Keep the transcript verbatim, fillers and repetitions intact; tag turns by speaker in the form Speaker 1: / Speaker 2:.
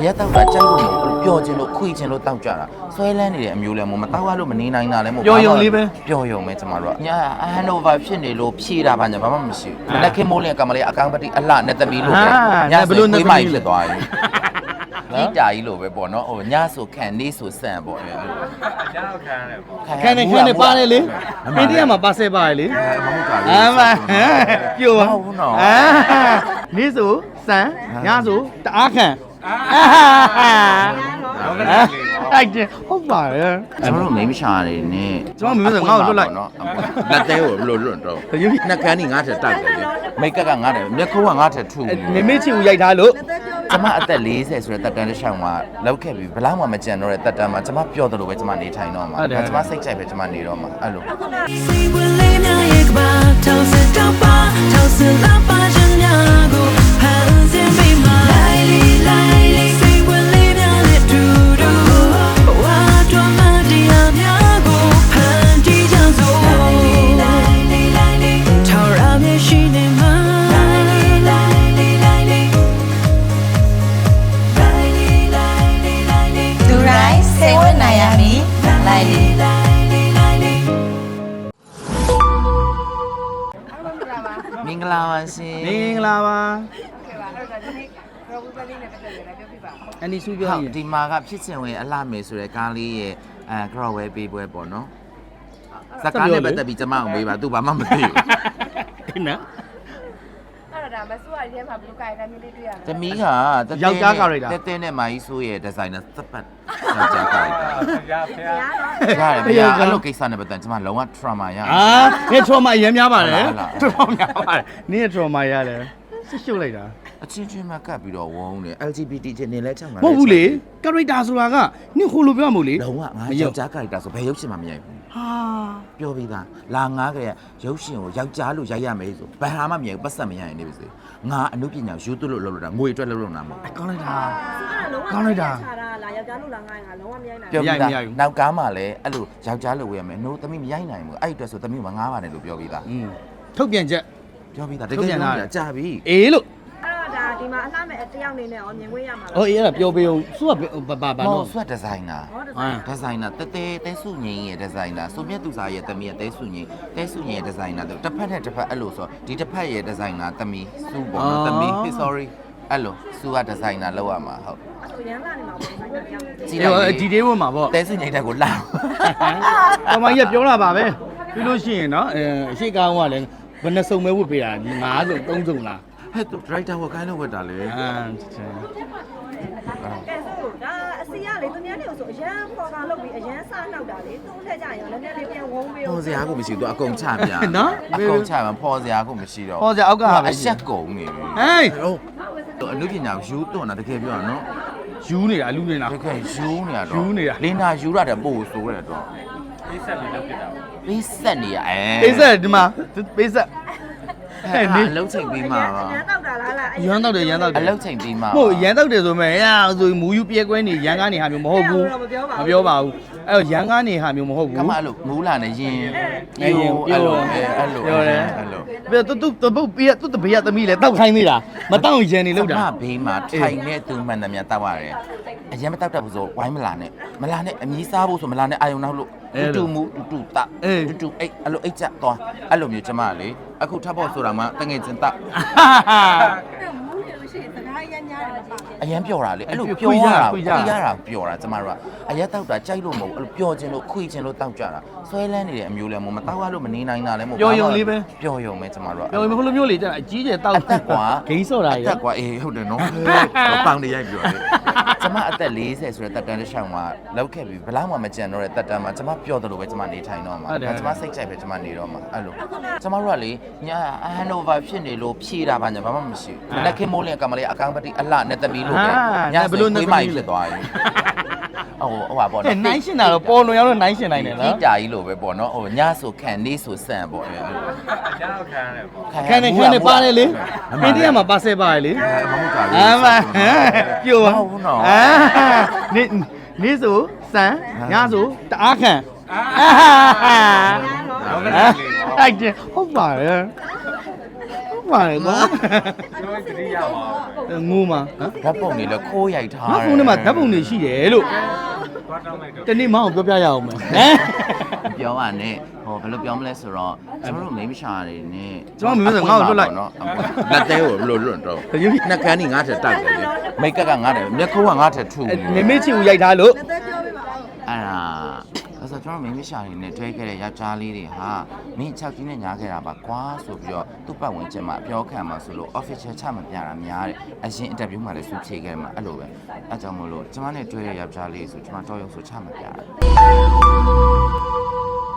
Speaker 1: ရက်တော့ကြိုက်လို့မဟုတ်ပျော်ခြင်းလို့ခွေခြင်းလို့တောက်ကြတာဆွဲလန်းနေတဲ့အမျိုးလဲမို့မတောက်ရလို့မနေနိုင်တာလဲမို့ပျော်ယုံလေးပဲပျော်ယုံပဲကျမတို့ကညာအဟန်နိုဗာဖြစ်နေလို့ဖြေတာပါညာဘာမှမရှိဘူးလက်ခင်မိုးလင်းကမလေးအကောင်ပတိအလှနဲ့သမီးလို့ပဲညာဘလို့နေမိုက်ဖြစ်သွားပြီဒီတာကြီးလို့ပဲပေါ့နော်ဟိုညဆိုခံနေဆိုဆန့်ပေါ့အဲ့လိုညောက်ခံရတယ်ပေါ့ခံနေခံနေပါတယ်လေအိန္ဒိယမှာပါဆဲပါတယ်လေမဟုတ်တာလေအမပြိုပါဟုတ်နော်နေဆိုဆန့်ညဆိုတအားခံတိုက်တယ်ဟုတ်ပါရဲ့ကျွန်တော်တို့မိမရှာနေနဲ့ကျွန်တော်မိမဆိုငါ့ကိုလွတ်လိုက်နော်လက်သေးကိုဘလို့လွတ်တော့နှက်ကန်းကြီးငါ့ထက်တိုက်တယ်မိတ်ကက်ကငါ့ထက်မျက်ခုံးကငါ့ထက်ထူမိမိချီကိုရိုက်ထားလို့ကျမအသက်၄၀ဆိုတဲ့တက်တန်းတစ်ချောင်းမှာလောက်ခဲ့ပြီးဘလောက်မှမကြံတော့တဲ့တက်တန်းမှာကျမပျော်တယ်လို့ပဲကျမနေထိုင်တော့မှာကျမစိတ်ကြိုက်ပဲကျမနေတော့မှာအဲ့လိုမင်္ဂလာပါရှင်မင်္ဂလာပါအန်ဒီစုပြောရင်ဒီမှာကဖြစ်စဉ်ဝင်အလှမယ်ဆိုတဲ့ကားလေးရဲ့အဲကရော့ဝဲပေးပွဲပေါ့နော်စကားနဲ့ပတ်သက်ပြီးကျမအောင်မေးပါသူဘာမှမသိဘူးနော်အဲ့ဒါမဆိုးရတဲ့မှာဘလူးကိုင်တိုင်းလေးတွေ့ရမှာတမီးကယောက်ျားကာရိုက်တာတဲတဲနဲ့မာကြီးဆိုးရဲ့ဒီဇိုင်နာစပတ်ယောက်ျားကာရိုက်တာရဖျားရတယ်ဗျာအဲ့လိုကိစ္စနဲ့ပတ်သက်ကျမလုံးဝ trauma ရအာဒီ trauma အရင်များပါတယ် trauma များပါတယ်နင်း trauma ရတယ်စစ်ရှုပ်လိုက်တာအချင်းချင်းမှကပ်ပြီးတော့ဝုန်းနေ L G B T ချင်းနေလဲချောင်းလာမဟုတ်ဘူးလေ character ဆိုတာကနင်းခိုးလို့ပြောမှာမို့လေလုံးဝငါယောက်ျား character ဆိုဘယ်ရုပ်ရှင်မှမရိုက်ဘူးဟာပြောပြီးသားလာငါကရဲ့ရုပ်ရှင်ကိုယောက်ျားလို့ရိုက်ရမယ်ဆိုဘယ်ဟာမှမရိုက်ဘူးပတ်သက်မရရင်နေပါစေငါအမှုပညာယူသွလို့လုပ်လို့တာငွေအတွက်လုပ်လို့တာမဟုတ်ကောင်းလိုက်တာကောင်းလိုက်တာလာယောက်ျားလို့လာငါငါလုံးဝမရိုက်နိုင်ဘူးပြောပြီးသားနောက်ကားမှလည်းအဲ့လိုယောက်ျားလို့ဝယ်ရမယ်နိုးသမီးမရိုက်နိုင်ဘူးအဲ့အတွက်ဆိုသမီးကငါးပါတယ်လို့ပြောပြီးသားထုတ်ပြန်ချက်ပြောပြီးသားတကယ်ပြန်လာကြာပြီအေးလို့ဒါဒီမှာအလှမဲ့တယောက်နေနဲ့ရောမြင်ခွင့်ရမှာလား။အော်အေးအဲ့ဒါပြောပေးအောင်။စုကဘာဘာဘာလို့စုကဒီဇိုင်နာ။ဒီဇိုင်နာတဲတဲတဲစုငင်းရဲ့ဒီဇိုင်နာ။ဆိုမြတ်သူစားရဲ့တမီးရဲ့တဲစုငင်းတဲစုငင်းရဲ့ဒီဇိုင်နာတစ်ဖက်နဲ့တစ်ဖက်အဲ့လိုဆိုဒီတစ်ဖက်ရဲ့ဒီဇိုင်နာတမီးစုပေါ့နော်တမီး sorry အဲ့လိုစုကဒီဇိုင်နာလောက်ရမှာဟုတ်။ဆိုရမ်းလာနေမှာပေါ့ဒီဇိုင်နာပြောင်းနေ။ဒီတော့ဒီဒေးဝတ်မှာပေါ့တဲစုငင်းတဲ့ကိုလာ။အမကြီးကပြောလာပါပဲ။ပြီးလို့ရှိရင်နော်အဲအရှိကောင်းကလည်းဘယ်နှစုံပဲဝတ်ပေးတာငါးစုံသုံးစုံလားဟဲ့သူဒရိုက်တာဝက်ကိုင်းလို့ဝက်တာလေအာချင်ကဲဆိုဒါအစီရလေသူများတွေကိုဆိုအရန်ပေါ်တာလုပ်ပြီးအရန်စားနှောက်တာလေသူ့ထက်ကြရင်လည်းနည်းနည်းလေးပြန်ဝုန်းပေးပေါ်စရာကိုမရှိသူအကုန်ချပြနော်အကုန်ချမှာပေါ်စရာကိုမရှိတော့ပေါ်စရာအောက်ကပဲအဆက်ကုန်နေပြီဟေးဟုတ်အလူပညာယူတွန်းတာတကယ်ပြောရနော်ယူနေတာအလူနေတာတကယ်ယူနေတာတော့ယူနေတာလင်းနာယူရတယ်ပို့ဆိုးတယ်တော့ပေးဆက်နေလို့ဖြစ်တာပေးဆက်နေရအဲပေးဆက်ဒီမှာပေးဆက်အဲ့နေအလုံးချိန်ပြီးမှာပါရန်တောက်တာလားလားရန်တောက်တယ်ရန်တောက်တယ်အလုံးချိန်ပြီးမှာဟုတ်ရန်တောက်တယ်ဆိုမဲ့အဲဆိုမူယူပြဲကွဲနေရန်ကားနေဟာမျိုးမဟုတ်ဘူးမပြောပါဘူးအဲ့တော့ရန်ကားနေဟာမျိုးမဟုတ်ဘူးကမအဲ့လိုမူးလာနေရင်အဲ့လိုအဲ့လိုအဲ့လိုပြောတယ်အဲ့လိုပြတူတူတပုတ်ပြတူတဘေးသမီးလဲတောက်ခိုင်းသေးတာမတောက်ရန်နေလို့တာမဘေးမှာထိုင်နေသူမှန်တယ်များတောက်ရတယ်အရင်မတောက်တတ်ဘူးဆိုဝိုင်းမလာနဲ့မလာနဲ့အမီးစားဖို့ဆိုမလာနဲ့အာယုံနောက်လို့တူတူမူတူတူတာတူတူအိတ်အဲ့လိုအိတ်ချက်သွားအဲ့လိုမျိုးကျမလေအခုထပ်ဖို့ဆိုတာမှတငယ်ချင်းတာအရင်ပြောတာလေအဲ့လိုပြောရတာခွေရတာပြောတာကျမတို့ကအရင်တောက်တာကြိုက်လို့မဟုတ်အဲ့လိုပြောခြင်းလို့ခွေခြင်းလို့တောက်ကြတာဆွဲလန်းနေတဲ့အမျိုးလဲမို့မတောက်ရလို့မနေနိုင်တာလဲမို့ပျော်ယုံလေးပဲပျော်ယုံပဲကျမတို့ကပျော်ယုံဘယ်လိုမျိုးလေကျအကြီးကျယ်တောက်တက်ကွာဂိမ်းစော့တာရေတက်ကွာအေးဟုတ်တယ်နော်ပေါင်နေရိုက်ပြောတယ်ကျမအသက်၄၀ဆိုတဲ့တက်တန်းတစ်ချောင်းမှာလောက်ခဲ့ပြီးဘလောက်မှမကြံတော့တဲ့တက်တန်းမှာကျမပျော်တယ်လို့ပဲကျမနေထိုင်တော့မှာကျမစိတ်ကြိုက်ပဲကျမနေတော့မှာအဲ့လိုကျမတို့ကလေညာအဟန်နိုဗာဖြစ်နေလို့ဖြေတာပါညာဘာမှမရှိဘူးလက်ခင်မိုးလင်းကမလေးအကောင်ပတိအလှနဲ့သမီးလို့ပဲညာဘလို့နေမိုက်ဖြစ်သွားပြီဟိုဟိုပါပေါ့နော်နိုင်ရှင်တာတော့ပေါ်လွန်ရောက်တော့နိုင်ရှင်နိုင်တယ်နော်ဒီတာကြီးလို့ပဲပေါ့နော်ဟိုညဆိုခံနေဆိုဆန့်ပေါ့အဲ့လိုညောက်ခံရတယ်ပေါ့ခံနေခံနေပါတယ်လေအိန္ဒိယမှာပါဆဲပါတယ်လေမဟုတ်တာလေအမပြိုဟုတ်ဘူးနော်အာနေနေဆိုဆန့်ညဆိုတအားခံအာဟုတ်တယ်ဟုတ်ပါရဲ့
Speaker 2: ပါတယ်ကွာငိုမှာ
Speaker 1: ဓာတ်ပုံတွေလည်းခိုးရိုက်ထား
Speaker 2: ငါဖုန်းထဲမှာဓာတ်ပုံတွေရှိတယ်လို့တနေ့မအောင်ပြောပြရအောင်မယ်ဟမ်
Speaker 1: ပြောပါနဲ့ဟောဘယ်လိုပြောမလဲဆိုတော့ကျွန်တော်တို့မိမရှာတွေနဲ့
Speaker 2: ကျွန်တော်မိမဆိုငါ့ကိုလွတ်လိုက်
Speaker 1: နော်လက်သေးကိုဘယ်လိုလွတ်တော့နှက်ကန်းကြီးငါ့ထက်တိုက်တယ်လေမိတ်ကပ်ကငါ့ထက်မျက်ခုံးကငါ့ထက်ထူ
Speaker 2: မေမေချီကိုရိုက်ထားလို့
Speaker 1: အဲ့ဒါအဲ့ဆိုကျွန်တော်မိမရှာတွေနဲ့တွဲခဲ့တဲ့ယောက်ျားလေးတွေဟာမင်း၆ကြီးနဲ့ညားခဲ့တာပါကွာဆိုပြီးတော့သူ့ပတ်ဝန်းကျင်မှာအပြောခံမှာဆိုလို့ official ချမပြတာများတယ်အရင် interview မှာလည်းသူဖြေခဲ့မှာအဲ့လိုပဲအဲ့ကြောင့်မို့လို့ကျွန်မနဲ့တွဲတဲ့ယောက်ျားလေးဆိုကျွန်မတော့ရုံဆိုချမပြတာ